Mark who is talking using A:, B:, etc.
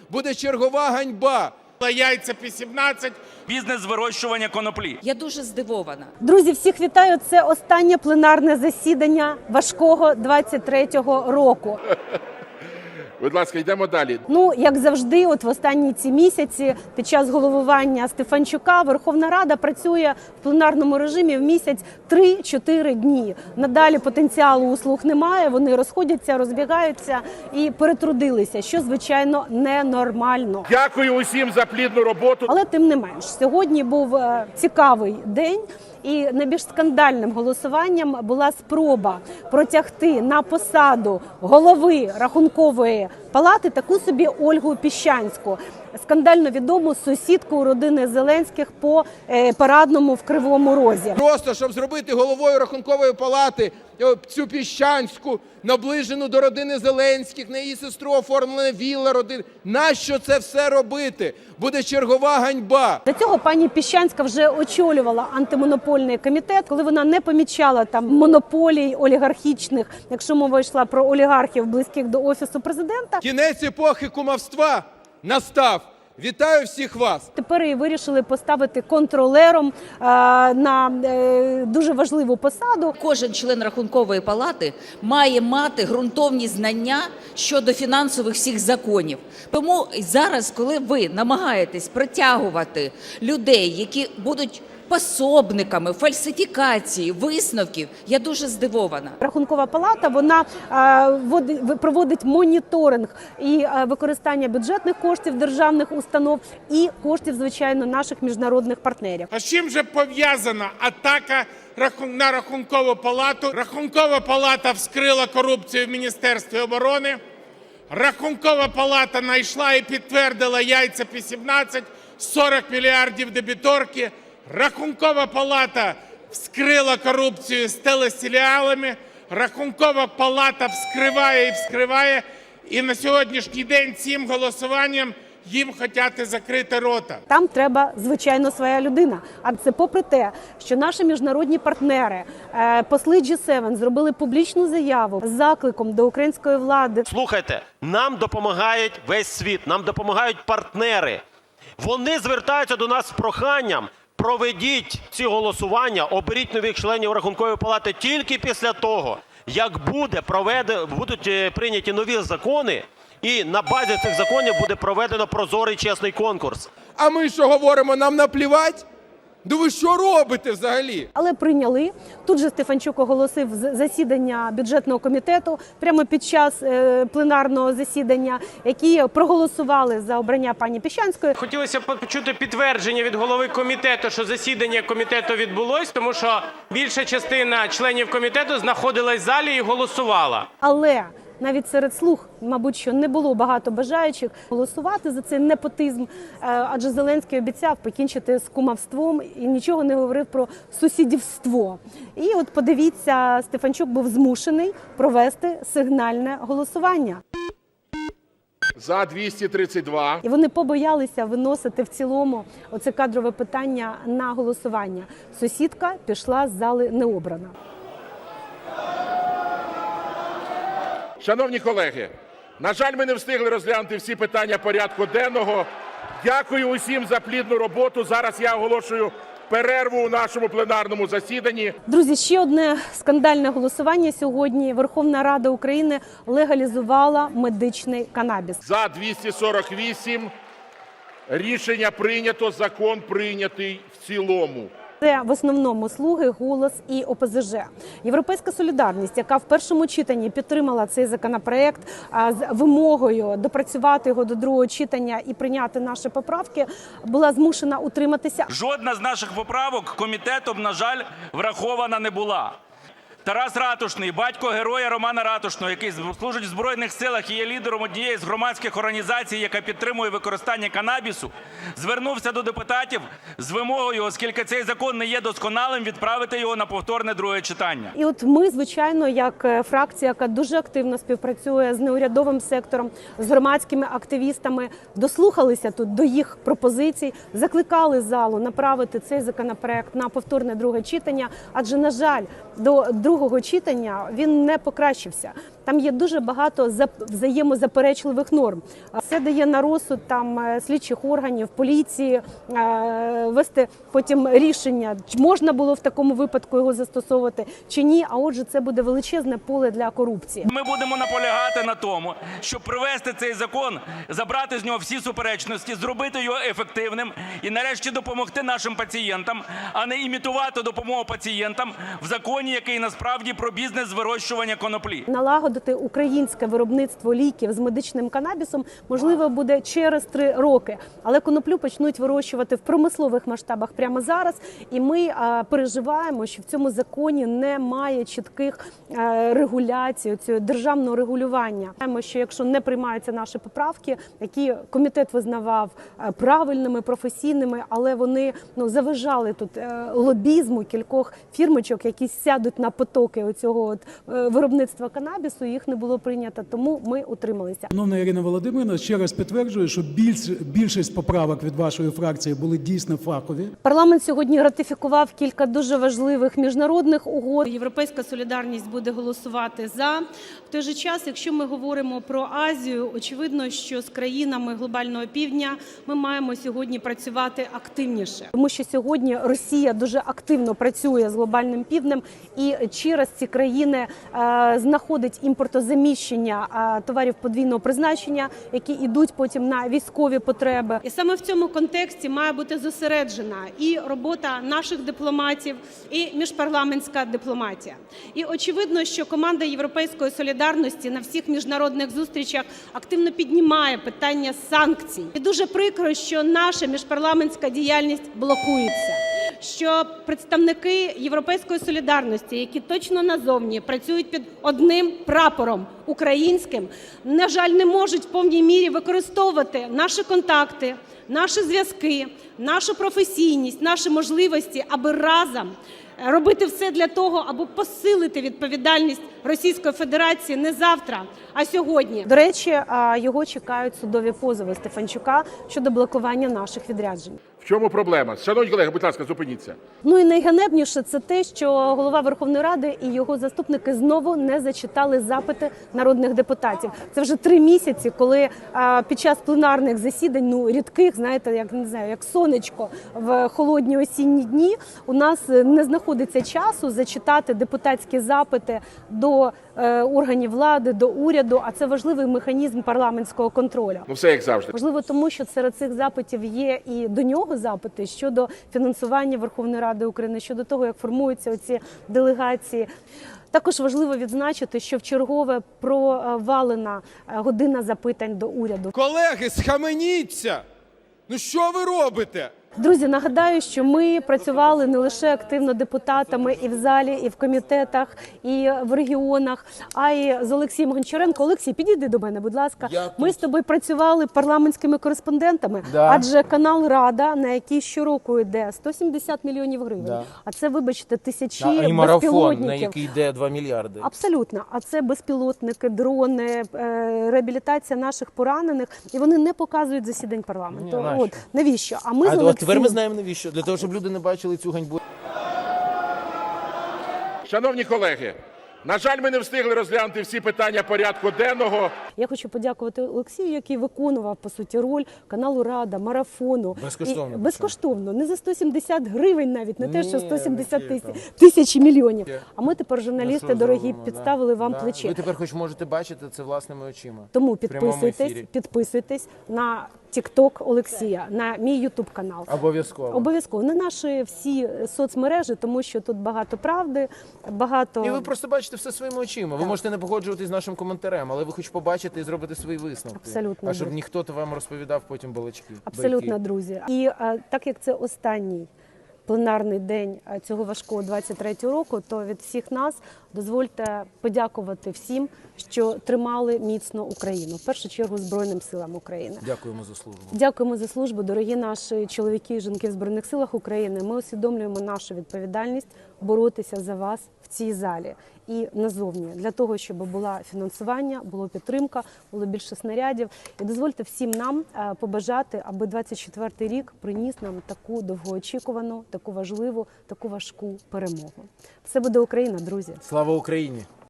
A: буде чергова ганьба.
B: Яйця по 17.
C: Бізнес з вирощування коноплі.
D: Я дуже здивована.
E: Друзі, всіх вітаю. Це останнє пленарне засідання важкого 23-го року.
A: Будь ласка, йдемо далі.
E: Ну, як завжди, от в останні ці місяці під час головування Стефанчука Верховна Рада працює в пленарному режимі в місяць 3-4 дні. Надалі потенціалу у слуг немає, вони розходяться, розбігаються і перетрудилися, що, звичайно, ненормально.
A: Дякую усім за плідну роботу.
E: Але тим не менш, сьогодні був цікавий день. І найбільш скандальним голосуванням була спроба протягти на посаду голови Рахункової палати таку собі Ольгу Піщанську, скандально відому сусідку родини Зеленських по Парадному в Кривому Розі.
A: Просто, щоб зробити головою Рахункової палати цю Піщанську, наближену до родини Зеленських, на її сестру оформлена вілла родини. Нащо це все робити? Буде чергова ганьба.
E: До цього пані Піщанська вже очолювала антимонопольний комітет, коли вона не помічала там монополій олігархічних, якщо мова йшла про олігархів, близьких до Офісу президента.
A: Кінець епохи кумівства настав. Вітаю всіх вас!
E: Тепер її вирішили поставити контролером на дуже важливу посаду.
D: Кожен член Рахункової палати має мати ґрунтовні знання щодо фінансових всіх законів. Тому зараз, коли ви намагаєтесь притягувати людей, які будуть пособниками фальсифікації висновків, я дуже здивована.
E: Рахункова палата, вона проводить моніторинг і використання бюджетних коштів державних установ і коштів, звичайно, наших міжнародних партнерів.
B: А з чим же пов'язана атака на Рахункову палату? Рахункова палата вскрила корупцію в Міністерстві оборони. Рахункова палата знайшла і підтвердила яйця по 17, 40 мільярдів дебіторки. Рахункова палата вскрила корупцію з телесеріалами. Рахункова палата вскриває і вскриває. І на сьогоднішній день цим голосуванням їм хочуть закрити рота.
E: Там треба, звичайно, своя людина. А це попри те, що наші міжнародні партнери, посли G7 зробили публічну заяву з закликом до української влади.
F: Слухайте, нам допомагають весь світ, нам допомагають партнери. Вони звертаються до нас з проханням: проведіть ці голосування, оберіть нових членів Рахункової палати тільки після того, як будуть прийняті нові закони, і на базі цих законів буде проведено прозорий чесний конкурс.
A: А ми що говоримо, нам наплівать? Да ви що робите взагалі?
E: Але прийняли. Тут же Стефанчук оголосив засідання бюджетного комітету прямо під час пленарного засідання, які проголосували за обрання пані Піщанської.
G: Хотілося б почути підтвердження від голови комітету, що засідання комітету відбулось, тому що більша частина членів комітету знаходилась в залі і голосувала.
E: Але навіть серед слуг, мабуть, що не було багато бажаючих голосувати за цей непотизм, адже Зеленський обіцяв покінчити з кумівством і нічого не говорив про сусідівство. І от подивіться, Стефанчук був змушений провести сигнальне голосування.
A: За 232.
E: І вони побоялися виносити в цілому оце кадрове питання на голосування. Сусідка пішла з зали необрана.
A: Шановні колеги, на жаль, ми не встигли розглянути всі питання порядку денного. Дякую усім за плідну роботу. Зараз я оголошую перерву у нашому пленарному засіданні.
E: Друзі, ще одне скандальне голосування сьогодні. Верховна Рада України легалізувала медичний канабіс.
A: За 248. Рішення прийнято, закон прийнятий в цілому.
E: Це в основному «Слуги», «Голос» і ОПЗЖ. Європейська солідарність, яка в першому читанні підтримала цей законопроект з вимогою допрацювати його до другого читання і прийняти наші поправки, була змушена утриматися.
C: Жодна з наших поправок комітетом, на жаль, врахована не була. Тарас Ратушний, батько героя Романа Ратушного, який служить в Збройних силах і є лідером однієї з громадських організацій, яка підтримує використання канабісу, звернувся до депутатів з вимогою, оскільки цей закон не є досконалим, відправити його на повторне друге читання.
E: І от ми, звичайно, як фракція, яка дуже активно співпрацює з неурядовим сектором, з громадськими активістами, дослухалися тут до їх пропозицій, закликали залу направити цей законопроект на повторне друге читання, адже, на жаль, до другого читання він не покращився. Там є дуже багато взаємозаперечливих норм. Це дає на розсуд там слідчих органів, поліції вести потім рішення, чи можна було в такому випадку його застосовувати чи ні. А отже, це буде величезне поле для корупції.
C: Ми будемо наполягати на тому, щоб привести цей закон, забрати з нього всі суперечності, зробити його ефективним і нарешті допомогти нашим пацієнтам, а не імітувати допомогу пацієнтам в законі, який насправді про бізнес з вирощування коноплі.
E: Налагодити українське виробництво ліків з медичним канабісом можливо буде через 3 роки. Але коноплю почнуть вирощувати в промислових масштабах прямо зараз. І ми переживаємо, що в цьому законі немає чітких регуляцій, цього державного регулювання. Знаємо, що якщо не приймаються наші поправки, які комітет визнавав правильними, професійними, але вони заважали тут лобізму кількох фірмочок, які сядуть на потоки оцього виробництва канабісу, їх не було прийнято, тому ми утрималися.
H: Шановна Ірина Володимирівна, ще раз підтверджую, що більшість поправок від вашої фракції були дійсно фахові.
E: Парламент сьогодні ратифікував кілька дуже важливих міжнародних угод.
I: Європейська солідарність буде голосувати за. В той же час, якщо ми говоримо про Азію, очевидно, що з країнами глобального півдня ми маємо сьогодні працювати активніше.
E: Тому що сьогодні Росія дуже активно працює з глобальним півднем і через ці країни знаходить імпортозаміщення товарів подвійного призначення, які йдуть потім на військові потреби.
I: І саме в цьому контексті має бути зосереджена і робота наших дипломатів, і міжпарламентська дипломатія. І очевидно, що команда Європейської солідарності на всіх міжнародних зустрічах активно піднімає питання санкцій. І дуже прикро, що наша міжпарламентська діяльність блокується. Що представники Європейської солідарності, які точно назовні працюють під одним прапором українським, на жаль, не можуть в повній мірі використовувати наші контакти, наші зв'язки, нашу професійність, наші можливості, аби разом робити все для того, аби посилити відповідальність Російської Федерації не завтра, а сьогодні.
E: До речі, його чекають судові позови Стефанчука щодо блокування наших відряджень.
J: В чому проблема? Шановні колеги, будь ласка, зупиніться.
E: Ну і найганебніше це те, що голова Верховної Ради і його заступники знову не зачитали запити народних депутатів. Це вже 3 місяці, коли під час пленарних засідань, рідких, знаєте, як не знаю, як сонечко в холодні осінні дні, у нас не знаходиться часу зачитати депутатські запити до органів влади, до уряду, а це важливий механізм парламентського контролю.
J: Ну все як завжди.
E: Важливо тому, що серед цих запитів є і до нього запити щодо фінансування Верховної Ради України, щодо того, як формуються оці делегації. Також важливо відзначити, що вчергове провалена година запитань до уряду.
A: Колеги, схаменіться! Ну що ви робите?
E: Друзі, нагадаю, що ми працювали не лише активно депутатами і в залі, і в комітетах, і в регіонах, а й з Олексієм Гончаренко. Олексій, підійди до мене, будь ласка. Ми з тобою працювали парламентськими кореспондентами, адже канал «Рада», на який щороку йде 170 мільйонів гривень, а це, вибачте, тисячі безпілотників.
K: Марафон, на який йде 2 мільярди.
E: Абсолютно. А це безпілотники, дрони, реабілітація наших поранених, і вони не показують засідань парламенту.
K: Ні,
E: навіщо? А ми з Олексієм...
K: Тепер ми знаємо навіщо. Для того, щоб люди не бачили цю ганьбу.
J: Шановні колеги, на жаль, ми не встигли розглянути всі питання порядку денного.
E: Я хочу подякувати Олексію, який виконував, по суті, роль каналу «Рада», марафону.
K: Безкоштовно.
E: Безкоштовно. Не за 170 гривень навіть, не те, що 170 тисяч мільйонів. А ми тепер, журналісти дорогі, підставили вам плече.
K: Ви тепер хоч можете бачити це власними очима.
E: Тому підписуйтесь на TikTok Олексія, на мій YouTube канал. Обов'язково. На наші всі соцмережі, тому що тут багато правди, багато...
K: І ви просто бачите все своїми очима. Ви можете не погоджуватись з нашим коментарем, але ви хоч побачите і зробите свої висновки.
E: Абсолютно.
K: А щоб ніхто то вам розповідав потім балачки.
E: Абсолютно, друзі. І так як це останній пленарний день цього важкого 23-го року, то від всіх нас дозвольте подякувати всім, що тримали міцно Україну. В першу чергу Збройним силам України.
K: Дякуємо за службу.
E: Дякуємо за службу, дорогі наші чоловіки і жінки в Збройних силах України. Ми усвідомлюємо нашу відповідальність боротися за вас в цій залі і назовні, для того, щоб було фінансування, було підтримка, було більше снарядів. І дозвольте всім нам побажати, аби 24-й рік приніс нам таку довгоочікувану, таку важливу, таку важку перемогу. Все буде Україна, друзі!
K: Слава Україні!